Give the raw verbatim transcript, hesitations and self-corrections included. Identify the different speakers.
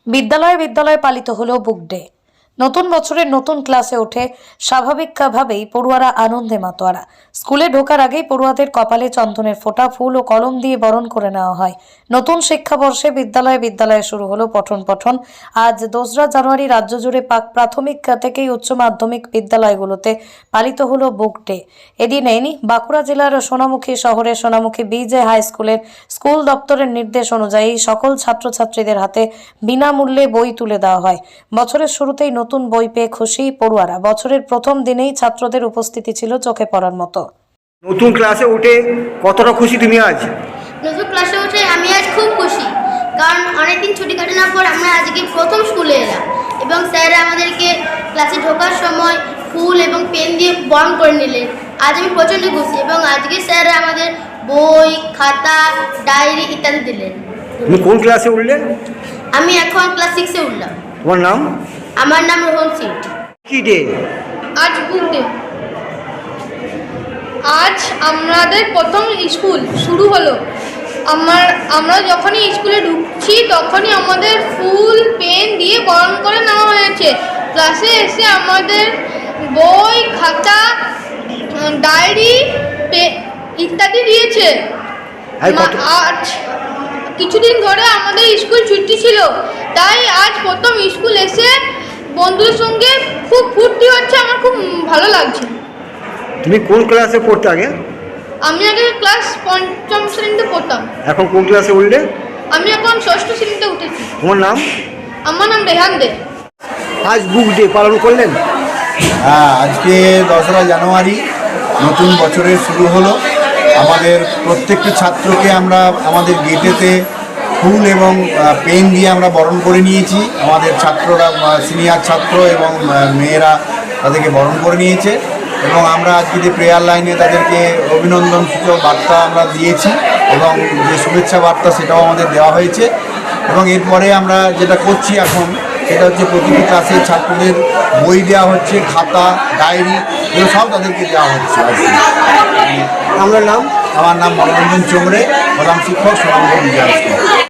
Speaker 1: বিদ্যালয়ে বিদ্যালয়ে পালিত হলো বুক ডে। নতুন বছরের নতুন ক্লাসে ওঠে স্বাভাবিকভাবেই পড়ুয়ারা আনন্দে মাতোয়ারা। স্কুলে ঢোকার আগেই পড়ুয়াদের কপালে চন্দনের ফোঁটা, ফুল ও কলম দিয়ে বরণ করে নেওয়া হয়। নতুন শিক্ষাবর্ষে বিদ্যালয়ে বিদ্যালয়ে শুরু হলো পঠন পঠন। আজ দোসরা জানুয়ারি রাজ্য জুড়ে পাক প্রাথমিক থেকেই উচ্চ মাধ্যমিক বিদ্যালয়গুলোতে পালিত হলো বুক ডে। এদিনেই বাঁকুড়া জেলার সোনামুখী শহরের সোনামুখী বিজে হাই স্কুলের স্কুল দপ্তরের নির্দেশ অনুযায়ী সকল ছাত্রছাত্রীদের হাতে বিনামূল্যে বই তুলে দেওয়া হয়। বছরের শুরুতেই নতুন বই পেয়ে খুশি পড়ুয়ারা। বছরের প্রথম দিনেই ছাত্রদের উপস্থিতি ছিল চোখে পড়ার মতো।
Speaker 2: নতুন ক্লাসে উঠে কতটা খুশি তুমি আজ?
Speaker 3: নতুন ক্লাসে উঠে আমি আজ খুব খুশি, কারণ অনেকদিন ছুটি কাটানোর পর আমরা আজকে প্রথম স্কুলে এলাম এবং স্যাররা আমাদেরকে ক্লাসে ঢোকার সময় ফুল এবং পেন দিয়ে বরণ করে নিলেন। আজ আমি প্রচণ্ড খুশি এবং আজকে স্যাররা আমাদের বই, খাতা, ডায়েরি ইত্যাদি দিলেন।
Speaker 2: তুমি কোন ক্লাসে উঠলে?
Speaker 3: আমি এখন ক্লাস সিক্সে উঠলাম।
Speaker 2: তোমার নাম?
Speaker 3: আমার নাম রোহন সিট।
Speaker 2: কি ডে?
Speaker 4: আজ বুক ডে। আজ আমাদের প্রথম স্কুল শুরু হলো। আমার আমরা যখনই স্কুলে ঢুকছি তখনই আমাদের ফুল পেন দিয়ে বরণ করে নেওয়া হয়েছে। ক্লাসে এসে আমাদের বই, খাতা, ডায়েরি ইত্যাদি দিয়েছে। আজ কিছুদিন ধরে আমাদের স্কুল ছুটি ছিল, তাই আজ প্রথম স্কুল এসে বন্ধুদের সঙ্গে খুব ফুর্তি হচ্ছে। আমার খুব ভালো লাগছে।
Speaker 2: তুমি কোন ক্লাসে পড়তে আগে?
Speaker 4: আমি আগে ক্লাস পঞ্চম শ্রেণীতে পড়তাম।
Speaker 2: এখন কোন ক্লাসে উঠলে?
Speaker 4: আমি এখন ষষ্ঠ শ্রেণীতে উঠেছি।
Speaker 2: তোমার নাম?
Speaker 4: আমার নাম রেহান দে।
Speaker 2: আজ বুক ডে পালন করলেন?
Speaker 5: হ্যাঁ, আজকে দশরা জানুয়ারি নতুন বছরের শুরু হলো। আমাদের প্রত্যেকটা ছাত্রকে আমরা আমাদের গেটেতে ফুল এবং পেন দিয়ে আমরা বরণ করে নিয়েছি। আমাদের ছাত্ররা, সিনিয়র ছাত্র এবং মেয়েরা তাদেরকে বরণ করে নিয়েছে এবং আমরা আজকে যে প্রেয়ার লাইনে তাদেরকে অভিনন্দন সূচক বার্তা আমরা দিয়েছি এবং যে শুভেচ্ছা বার্তা সেটাও আমাদের দেওয়া হয়েছে। এবং এরপরে আমরা যেটা করছি এখন সেটা হচ্ছে প্রতিটি ক্লাসের ছাত্রদের বই দেওয়া হচ্ছে, খাতা, ডায়েরি এগুলো সব তাদেরকে দেওয়া হচ্ছে।
Speaker 2: আমার নাম?
Speaker 5: আমার নাম মনোরঞ্জন চোমরে, প্রধান শিক্ষক সোনামুখী বিদ্যালয়।